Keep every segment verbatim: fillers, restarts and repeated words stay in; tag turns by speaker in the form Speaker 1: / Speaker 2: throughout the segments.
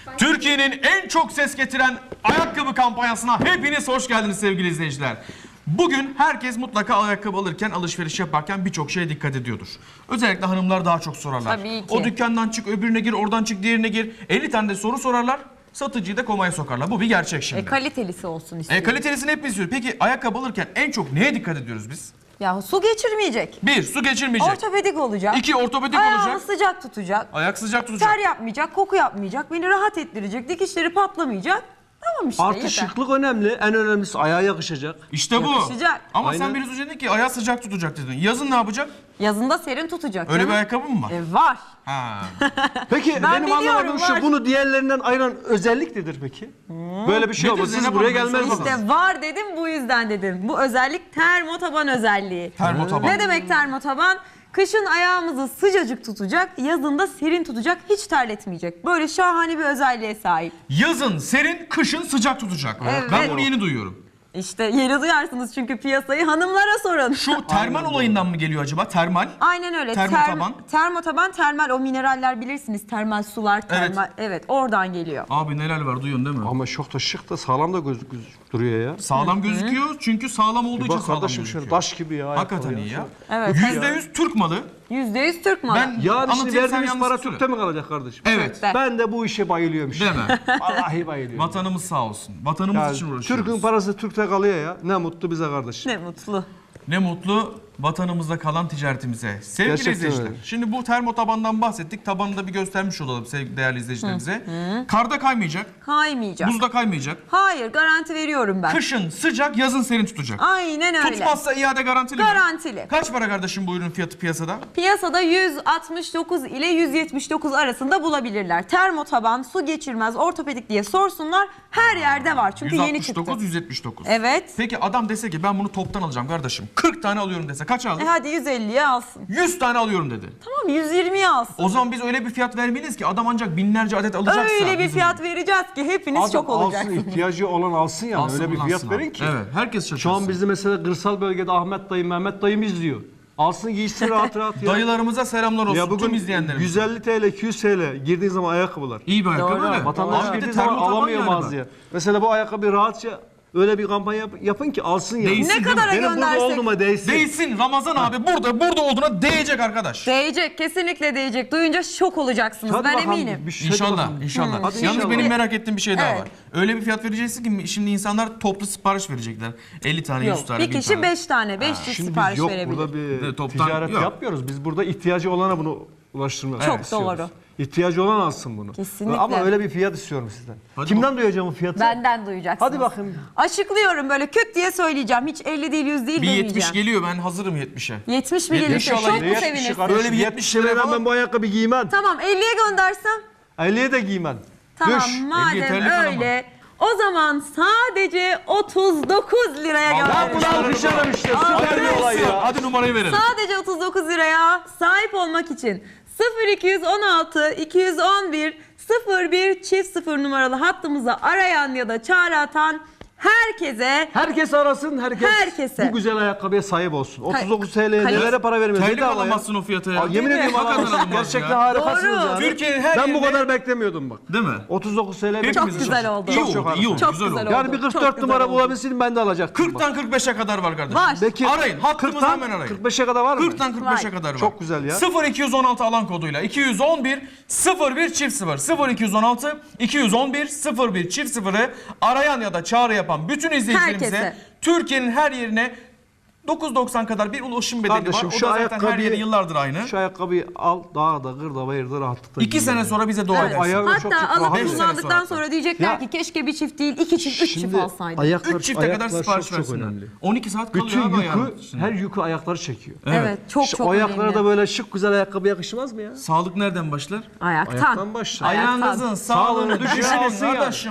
Speaker 1: Türkiye'nin en çok ses getiren ayakkabı kampanyasına hepiniz hoş geldiniz sevgili izleyiciler. Bugün herkes mutlaka ayakkabı alırken, alışveriş yaparken birçok şeye dikkat ediyordur. Özellikle hanımlar daha çok sorarlar.
Speaker 2: Tabii ki.
Speaker 1: O dükkandan çık, öbürüne gir, oradan çık, diğerine gir. elli tane de soru sorarlar. Satıcıyı da komaya sokarlar. Bu bir gerçek şimdi.
Speaker 2: E, kalitelisi olsun
Speaker 1: E,
Speaker 2: istiyorum.
Speaker 1: kalitelisini hep istiyoruz. Peki ayakkabı alırken en çok neye dikkat ediyoruz biz?
Speaker 2: Ya su geçirmeyecek.
Speaker 1: Bir, su geçirmeyecek.
Speaker 2: Ortopedik olacak.
Speaker 1: İki, ortopedik
Speaker 2: Ayağını
Speaker 1: olacak.
Speaker 2: sıcak tutacak.
Speaker 1: Ayak sıcak tutacak.
Speaker 2: Ter yapmayacak, koku yapmayacak, beni rahat ettirecek, dikişleri patlamayacak. Tamam işte
Speaker 3: Artı
Speaker 2: yeter.
Speaker 3: şıklık önemli. En önemlisi ayağa yakışacak.
Speaker 1: İşte bu.
Speaker 2: Yakışacak.
Speaker 1: Ama
Speaker 3: Aynen.
Speaker 1: sen biraz önce dedin ki ayağı sıcak tutacak dedin. Yazın ne yapacak?
Speaker 2: Yazında serin tutacak.
Speaker 1: Öyle
Speaker 2: canım.
Speaker 1: bir ayakkabı mı var?
Speaker 2: E, var.
Speaker 1: Ha.
Speaker 3: Peki
Speaker 2: Ben
Speaker 3: benim
Speaker 2: biliyorum,
Speaker 3: anlamadığım
Speaker 2: var.
Speaker 3: şu, bunu diğerliğerinden ayıran özellik nedir peki? Böyle bir şey
Speaker 1: Nedir
Speaker 3: olmaz. Siz
Speaker 1: Zeynep
Speaker 3: buraya
Speaker 1: Hanım? Ben
Speaker 3: gelmez
Speaker 1: sormadım.
Speaker 3: misiniz?
Speaker 2: İşte var dedim, bu yüzden dedim. Bu özellik termotaban özelliği.
Speaker 1: Termotaban.
Speaker 2: Ne demek termotaban? Kışın ayağımızı sıcacık tutacak, yazında serin tutacak, hiç terletmeyecek. Böyle şahane bir özelliğe sahip.
Speaker 1: Yazın serin, kışın sıcak tutacak.
Speaker 2: Evet.
Speaker 1: Ben bunu yeni duyuyorum.
Speaker 2: İşte yeni duyarsınız çünkü piyasayı, hanımlara sorun.
Speaker 1: Şu termal olayından mı geliyor acaba? Termal.
Speaker 2: Aynen öyle.
Speaker 1: Termotaban.
Speaker 2: Term- termotaban, termal, o mineraller bilirsiniz. Termal sular, termal. Evet, oradan geliyor.
Speaker 1: Abi neler var duyuyorsun değil mi?
Speaker 3: Ama çok da şık da sağlam da gözük gözük duruyor ya.
Speaker 1: Sağlam gözüküyor çünkü sağlam olduğu
Speaker 3: Bir
Speaker 1: için
Speaker 3: bak
Speaker 1: sağlam
Speaker 3: kardeşim
Speaker 1: gözüküyor.
Speaker 3: şöyle taş gibi ya.
Speaker 1: Hakikaten
Speaker 3: ayakkabı
Speaker 1: iyi ya.
Speaker 2: Evet.
Speaker 1: Yüzde yüz Türk malı.
Speaker 2: yüzde yüz Türk malı.
Speaker 1: Ben-
Speaker 3: Yani şimdi
Speaker 1: Anlatayım, sen
Speaker 3: verdiğimiz
Speaker 1: yalnız
Speaker 3: para
Speaker 1: söyle.
Speaker 3: Türk'te mi kalacak kardeşim?
Speaker 1: Evet.
Speaker 2: Ben-
Speaker 3: Ben de bu işe bayılıyorum işte.
Speaker 1: Değil mi?
Speaker 3: Vallahi bayılıyorum.
Speaker 1: Vatanımız sağ olsun. Vatanımız
Speaker 3: Yani
Speaker 1: için uğraşıyoruz.
Speaker 3: Türk'ün parası Türk'te kalıyor ya. Ne mutlu bize kardeşim.
Speaker 2: Ne mutlu.
Speaker 1: Ne mutlu vatanımızda kalan ticaretimize. Sevgili
Speaker 3: Gerçekten
Speaker 1: izleyiciler,
Speaker 3: öyle.
Speaker 1: şimdi bu termotabandan bahsettik. Tabanını da bir göstermiş olalım sevgili değerli izleyicilerimize. Karda kaymayacak,
Speaker 2: Kaymayacak.
Speaker 1: buzda kaymayacak.
Speaker 2: Hayır, garanti veriyorum ben.
Speaker 1: Kışın sıcak, yazın serin tutacak.
Speaker 2: Aynen öyle.
Speaker 1: Tutmazsa iade garantili mi?
Speaker 2: Garantili.
Speaker 1: Kaç para kardeşim bu ürünün fiyatı piyasada?
Speaker 2: Piyasada yüz altmış dokuz ile yüz yetmiş dokuz arasında bulabilirler. Termotaban, su geçirmez, ortopedik diye sorsunlar. Her yerde var çünkü yeni çıktı.
Speaker 1: yüz altmış dokuz, yüz yetmiş dokuz.
Speaker 2: Evet.
Speaker 1: Peki adam dese ki ben bunu toptan alacağım kardeşim. kırk tane alıyorum dese kaç alır?
Speaker 2: E hadi yüz elliye alsın.
Speaker 1: yüz tane alıyorum dedi.
Speaker 2: Tamam, yüz yirmiye alsın.
Speaker 1: O zaman biz öyle bir fiyat vermeliyiz ki adam ancak binlerce adet alacaksa.
Speaker 2: Öyle bir
Speaker 1: bizim-
Speaker 2: fiyat vereceğiz ki hepiniz
Speaker 3: Adam
Speaker 2: şok
Speaker 3: alsın,
Speaker 2: olacaksınız.
Speaker 3: ihtiyacı olan alsın yani.
Speaker 1: Alsın,
Speaker 3: Öyle bir
Speaker 1: kullansın
Speaker 3: fiyat
Speaker 1: abi.
Speaker 3: verin ki.
Speaker 1: Evet, herkes şaşırsın.
Speaker 3: Şu an bizde mesela kırsal bölgede Ahmet dayım, Mehmet dayım izliyor. Alsın giysin rahat rahat ya.
Speaker 1: Dayılarımıza selamlar olsun
Speaker 3: Ya bugün
Speaker 1: tüm izleyenlerimize.
Speaker 3: yüz elli TL, iki yüz TL girdiğin zaman ayakkabılar.
Speaker 1: İyi bir ayakkabı
Speaker 2: Doğru.
Speaker 1: öyle.
Speaker 3: Vatandaş
Speaker 1: Abi bir de
Speaker 3: girdiği zaman
Speaker 1: termotaban
Speaker 3: alamıyor
Speaker 1: yani bak.
Speaker 3: mağazaya. Mesela bu ayakkabı rahatça öyle bir kampanya yap- yapın ki alsın ya.
Speaker 1: Değsin.
Speaker 2: Ne
Speaker 1: değil
Speaker 2: kadara
Speaker 1: mi?
Speaker 3: Benim burada
Speaker 2: göndersek
Speaker 3: olduğuma değsin.
Speaker 1: Değsin Ramazan abi burada burada olduğuna değecek arkadaş.
Speaker 2: değecek, kesinlikle değecek. Duyunca şok olacaksınız,
Speaker 3: Hadi
Speaker 2: ben
Speaker 3: bakalım,
Speaker 2: eminim.
Speaker 3: bir şey
Speaker 1: İnşallah,
Speaker 3: bakalım.
Speaker 1: inşallah.
Speaker 3: Hadi
Speaker 1: Yalnız
Speaker 3: inşallah.
Speaker 1: benim merak ettiğim bir şey daha
Speaker 2: Evet.
Speaker 1: var. Öyle bir fiyat vereceksin ki şimdi insanlar toplu sipariş verecekler. elli tane, yüz
Speaker 2: Yok,
Speaker 1: tane,
Speaker 2: bir
Speaker 1: bin
Speaker 2: kişi
Speaker 1: tane.
Speaker 2: beş tane, beş çift
Speaker 3: Şimdi
Speaker 2: sipariş
Speaker 3: biz yok
Speaker 2: verebilir.
Speaker 3: burada bir
Speaker 1: Evet, toptan
Speaker 3: ticaret
Speaker 1: yok.
Speaker 3: yapmıyoruz. Biz burada ihtiyacı olana bunu ulaştırmak
Speaker 2: Çok
Speaker 3: istiyoruz.
Speaker 2: doğru.
Speaker 3: İhtiyacı olan alsın bunu.
Speaker 2: Kesinlikle.
Speaker 3: Ama öyle bir fiyat istiyorum sizden.
Speaker 1: Hadi
Speaker 3: Kimden duyacağım o fiyatı?
Speaker 2: Benden duyacaksınız.
Speaker 3: Hadi bakayım.
Speaker 2: Açıklıyorum, böyle küt diye söyleyeceğim. Hiç elli değil, yüz değil
Speaker 1: Bir
Speaker 2: demeyeceğim.
Speaker 1: yetmiş geliyor ben hazırım yetmişe.
Speaker 2: yetmiş mi
Speaker 1: Yetmiş
Speaker 2: gelirse
Speaker 1: inşallah
Speaker 2: çok mu
Speaker 1: yetmiş
Speaker 2: sevinirsin?
Speaker 3: kardeşim,
Speaker 1: Böyle bir
Speaker 3: yetmiş
Speaker 1: yetmiş
Speaker 3: liraya
Speaker 1: lira
Speaker 3: ben,
Speaker 1: falan.
Speaker 3: ben bu ayakkabı giymem.
Speaker 2: Tamam, elliye göndersem?
Speaker 3: elliye de giymem.
Speaker 2: Tamam,
Speaker 3: Düş.
Speaker 2: madem
Speaker 1: yeterli kalamam.
Speaker 2: öyle. O zaman sadece otuz dokuz liraya
Speaker 1: Allah
Speaker 3: Ben
Speaker 2: göndereceğim.
Speaker 3: bunu alkışlarım işte. Süper bir olay ya.
Speaker 1: Hadi numarayı verelim.
Speaker 2: Sadece otuz dokuz liraya sahip olmak için sıfır iki yüz on altı iki yüz on bir sıfır bir çift sıfır numaralı hattımıza arayan ya da çağrı atan herkese
Speaker 3: Herkes arasın, herkes
Speaker 2: Herkese.
Speaker 3: bu güzel ayakkabıya sahip olsun. otuz dokuz T L'ye
Speaker 2: Kaliteli-
Speaker 3: nelere para vermiyoruz.
Speaker 1: Terlik
Speaker 3: Bedava ya.
Speaker 1: alamazsın o fiyata ya.
Speaker 3: Aa, yemin ediyorum
Speaker 1: Hakikaten
Speaker 3: alamazsın.
Speaker 1: alamaz
Speaker 3: Gerçekten
Speaker 1: ya.
Speaker 3: harikasınız
Speaker 2: Doğru.
Speaker 3: ya.
Speaker 1: Türkiye'nin her
Speaker 3: Ben bu
Speaker 1: yerinde-
Speaker 3: kadar beklemiyordum bak.
Speaker 1: Değil mi?
Speaker 3: otuz dokuz T L
Speaker 1: Hepimiz
Speaker 2: Çok
Speaker 1: için.
Speaker 2: güzel oldu.
Speaker 1: İyi
Speaker 3: Çok
Speaker 1: oldu,
Speaker 3: çok
Speaker 1: iyi oldu,
Speaker 2: Çok
Speaker 1: güzel
Speaker 2: güzel
Speaker 1: oldu.
Speaker 2: oldu.
Speaker 3: Yani bir
Speaker 2: Çok
Speaker 3: kırk dört
Speaker 2: güzel
Speaker 3: numara
Speaker 2: oldu.
Speaker 3: bulabilseydim ben de alacaktım.
Speaker 1: kırktan kırk beşe kadar var kardeşim.
Speaker 2: Var.
Speaker 3: Peki,
Speaker 1: Arayın, hattımızı
Speaker 3: kırktan
Speaker 1: hemen arayın.
Speaker 3: kırk beşe kadar var mı?
Speaker 1: kırktan kırk beşe
Speaker 2: Var.
Speaker 1: kadar var.
Speaker 3: Çok güzel ya.
Speaker 1: sıfır iki yüz on altı alan koduyla iki yüz on bir sıfır bir çift sıfır sıfır iki yüz on altı iki yüz on bir sıfır bir çift sıfırı arayan ya da çağrı yapan bütün izleyicilerimize
Speaker 2: Herkese.
Speaker 1: Türkiye'nin her yerine dokuz doksan kadar bir ulaşım bedeli
Speaker 3: Kardeşim
Speaker 1: var. O
Speaker 3: şu
Speaker 1: da zaten her
Speaker 3: ayakkabıyı
Speaker 1: yere yıllardır aynı.
Speaker 3: Şu ayakkabıyı al dağda, kırda, bayırda rahatlıkla
Speaker 1: İki
Speaker 3: giy
Speaker 1: sene
Speaker 3: yani.
Speaker 1: sonra bize dua
Speaker 2: Evet.
Speaker 1: edersin.
Speaker 3: Ayağı çok çok
Speaker 2: Hatta
Speaker 3: rahat.
Speaker 2: alıp
Speaker 1: Beş sene
Speaker 2: kullandıktan
Speaker 1: sonra.
Speaker 2: sonra diyecekler
Speaker 3: Ya-
Speaker 2: ki keşke bir çift değil iki çift, üç çift alsaydık.
Speaker 3: ayaklar,
Speaker 1: üç çifte kadar
Speaker 3: ayaklar
Speaker 1: sipariş
Speaker 3: çok, çok
Speaker 1: versinler.
Speaker 3: önemli.
Speaker 1: on iki saat kalıyor
Speaker 3: Bütün
Speaker 1: abi ayağın
Speaker 3: yükü,
Speaker 1: içinde.
Speaker 3: her yükü ayakları çekiyor.
Speaker 2: Evet, çok
Speaker 3: İşte
Speaker 2: çok
Speaker 3: o ayaklara
Speaker 2: önemli.
Speaker 3: da böyle şık güzel ayakkabı yakışmaz mı ya?
Speaker 1: Sağlık nereden başlar?
Speaker 2: Ayaktan.
Speaker 3: Ayaktan başla.
Speaker 2: Ayaktan.
Speaker 1: Ayağınızın sağlığını
Speaker 3: Sağlığını
Speaker 1: düşünün
Speaker 3: düşünün yani.
Speaker 1: kardeşim.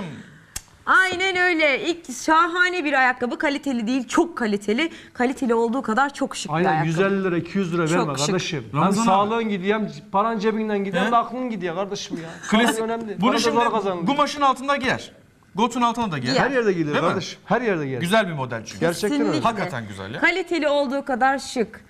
Speaker 2: Aynen öyle. İlk şahane bir ayakkabı, kaliteli değil, çok kaliteli. Kaliteli olduğu kadar çok şık bir
Speaker 3: Aynen
Speaker 2: ayakkabı.
Speaker 3: yüz elli lira, iki yüz lira
Speaker 2: Çok
Speaker 3: verme
Speaker 2: şık.
Speaker 3: kardeşim. Hem
Speaker 1: Ramazan abi.
Speaker 3: sağlığın gidiyor hem paran cebinden gidiyor
Speaker 1: He?
Speaker 3: hem de aklın gidiyor kardeşim ya.
Speaker 1: Klasik.
Speaker 3: Sağlık önemli.
Speaker 1: Bunu
Speaker 3: Para da
Speaker 1: şimdi
Speaker 3: zor kazanılıyor.
Speaker 1: kumaşın altında giyer. Gotun altına da giyer.
Speaker 2: Giyer.
Speaker 3: Her yerde giyilir
Speaker 1: Değil mi?
Speaker 3: kardeşim. Her yerde giyilir.
Speaker 1: Güzel bir model çünkü.
Speaker 3: Gerçekten öyle.
Speaker 2: Kesinlikle.
Speaker 1: Hakikaten güzel ya.
Speaker 2: Kaliteli olduğu kadar şık.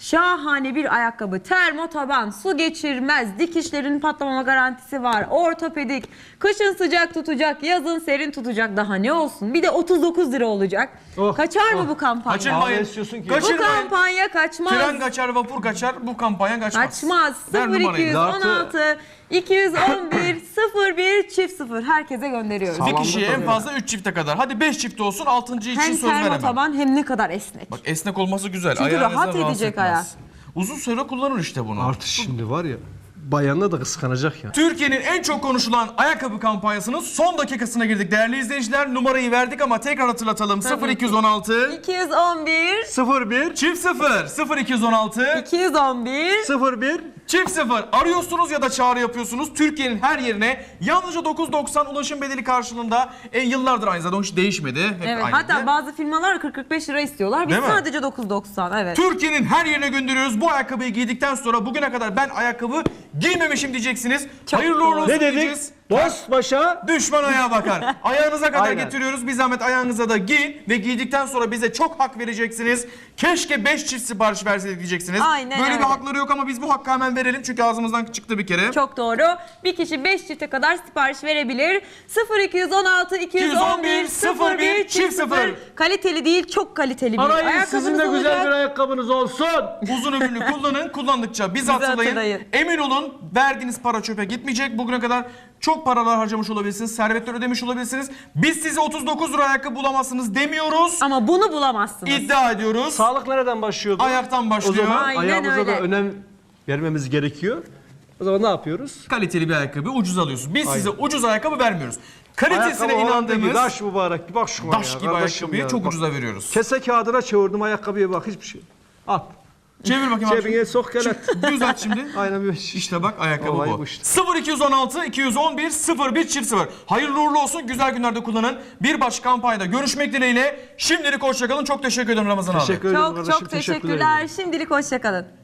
Speaker 2: Şahane bir ayakkabı. Termo taban, su geçirmez, dikişlerin patlamama garantisi var. Ortopedik, kışın sıcak tutacak, yazın serin tutacak. Daha ne olsun? Bir de otuz dokuz lira olacak.
Speaker 3: Oh,
Speaker 2: Kaçar mı
Speaker 3: oh.
Speaker 2: bu kampanya?
Speaker 1: Kaçırmayın.
Speaker 3: Daha ne istiyorsun ki?
Speaker 2: Bu
Speaker 1: Kaçırmayın.
Speaker 2: kampanya kaçmaz.
Speaker 1: Tren kaçar, vapur kaçar. Bu kampanya kaçmaz.
Speaker 2: Kaçmaz.
Speaker 1: Ver
Speaker 2: sıfır iki
Speaker 1: numarayı.
Speaker 2: yüz on altı iki yüz on bir sıfır bir çift sıfır herkese gönderiyoruz.
Speaker 1: Bir
Speaker 3: Sağlamlık
Speaker 1: kişiye en
Speaker 3: oluyor.
Speaker 1: fazla üç çifte kadar. Hadi beş çift olsun, altıncı için
Speaker 2: Hem
Speaker 1: söz veremem.
Speaker 2: termo taban hem ne kadar esnek.
Speaker 1: Bak esnek olması güzel.
Speaker 2: Çünkü
Speaker 1: Ayağınıza
Speaker 2: rahat
Speaker 1: rahatsız
Speaker 2: edecek
Speaker 1: etmez.
Speaker 2: ayak.
Speaker 1: Uzun süre kullanır işte bunu.
Speaker 3: Artık şimdi var ya, bayanlar da kıskanacak ya.
Speaker 1: Türkiye'nin en çok konuşulan ayakkabı kampanyasının son dakikasına girdik değerli izleyiciler. Numarayı verdik ama tekrar hatırlatalım. sıfır iki yüz on altı
Speaker 2: iki yüz on bir
Speaker 3: sıfır bir
Speaker 1: çift sıfır sıfır iki yüz on altı
Speaker 2: iki yüz on bir
Speaker 3: sıfır bir
Speaker 1: çift sıfır arıyorsunuz ya da çağrı yapıyorsunuz. Türkiye'nin her yerine yalnızca dokuz doksan ulaşım bedeli karşılığında e, yıllardır aynı zaten o hiç değişmedi. Hep
Speaker 2: Evet,
Speaker 1: aynıydı.
Speaker 2: hatta bazı firmalar kırk kırk beş lira istiyorlar. Biz
Speaker 1: Değil mi?
Speaker 2: sadece dokuz doksan. Evet.
Speaker 1: Türkiye'nin her yerine gönderiyoruz. Bu ayakkabıyı giydikten sonra bugüne kadar ben ayakkabı giymemişim diyeceksiniz.
Speaker 2: Çok
Speaker 1: Hayırlı uğurlu
Speaker 2: doğru.
Speaker 1: olsun
Speaker 3: Ne dedik?
Speaker 1: diyeceğiz.
Speaker 3: Dost başa.
Speaker 1: Düşman ayağa bakar. Ayağınıza kadar
Speaker 3: Aynen.
Speaker 1: getiriyoruz. Bir zahmet ayağınıza da giyin ve giydikten sonra bize çok hak vereceksiniz. Keşke beş çift sipariş verseydik diyeceksiniz.
Speaker 2: Aynen
Speaker 1: Böyle
Speaker 2: öyle.
Speaker 1: bir hakları yok ama biz bu hakkı hemen verelim çünkü ağzımızdan çıktı bir kere.
Speaker 2: Çok doğru. Bir kişi beş çifte kadar sipariş verebilir. sıfır iki yüz on altı iki yüz on bir sıfır bir çift sıfır. Kaliteli değil, çok kaliteli bir
Speaker 3: Arayın,
Speaker 2: ayakkabınız
Speaker 3: sizin de güzel
Speaker 2: olacak.
Speaker 3: bir ayakkabınız olsun.
Speaker 1: Uzun ömürlü kullanın. Kullandıkça bizi
Speaker 2: Bizi
Speaker 1: hatırlayın.
Speaker 2: hatırlayın.
Speaker 1: Emin olun verdiğiniz para çöpe gitmeyecek. Bugüne kadar çok paralar harcamış olabilirsiniz. Servetler ödemiş olabilirsiniz. Biz size otuz dokuz lira ayakkabı bulamazsınız demiyoruz.
Speaker 2: Ama bunu bulamazsınız.
Speaker 1: İddia ediyoruz.
Speaker 3: Sağlık nereden başlıyordu?
Speaker 1: Ayaktan başlıyor.
Speaker 3: O zaman
Speaker 2: Aynen
Speaker 3: ayağımıza
Speaker 2: öyle.
Speaker 3: da önem vermemiz gerekiyor. O zaman ne yapıyoruz?
Speaker 1: Kaliteli bir ayakkabı ucuz alıyorsunuz. Biz size ucuz ayakkabı vermiyoruz. Kalitesine
Speaker 3: Ayakkabı olan değil,
Speaker 1: inandığımız
Speaker 3: Daş mübarek. Bir bak şuna
Speaker 1: taş
Speaker 3: ya,
Speaker 1: gibi
Speaker 3: kardeşim
Speaker 1: ayakkabıyı
Speaker 3: ya.
Speaker 1: çok
Speaker 3: Bak,
Speaker 1: ucuza veriyoruz.
Speaker 3: Kese kağıdına çevirdim ayakkabıya bak hiçbir şey. At.
Speaker 1: Çevir bakayım abi.
Speaker 3: Cebine sok gel at.
Speaker 1: Düzelt şimdi.
Speaker 3: Aynen böyle şey.
Speaker 1: İşte bak ayakkabı
Speaker 3: Olay
Speaker 1: bu.
Speaker 3: bu işte.
Speaker 1: sıfır iki yüz on altı iki yüz on bir sıfır bir çift sıfır. Hayırlı uğurlu olsun. Güzel günlerde kullanın. Bir başka kampanyada görüşmek dileğiyle. Şimdilik hoşçakalın. Çok teşekkür ederim Ramazan abi.
Speaker 3: Teşekkür ederim
Speaker 2: Çok
Speaker 3: kardeşim.
Speaker 2: çok
Speaker 3: teşekkürler.
Speaker 2: teşekkürler. Şimdilik hoşçakalın.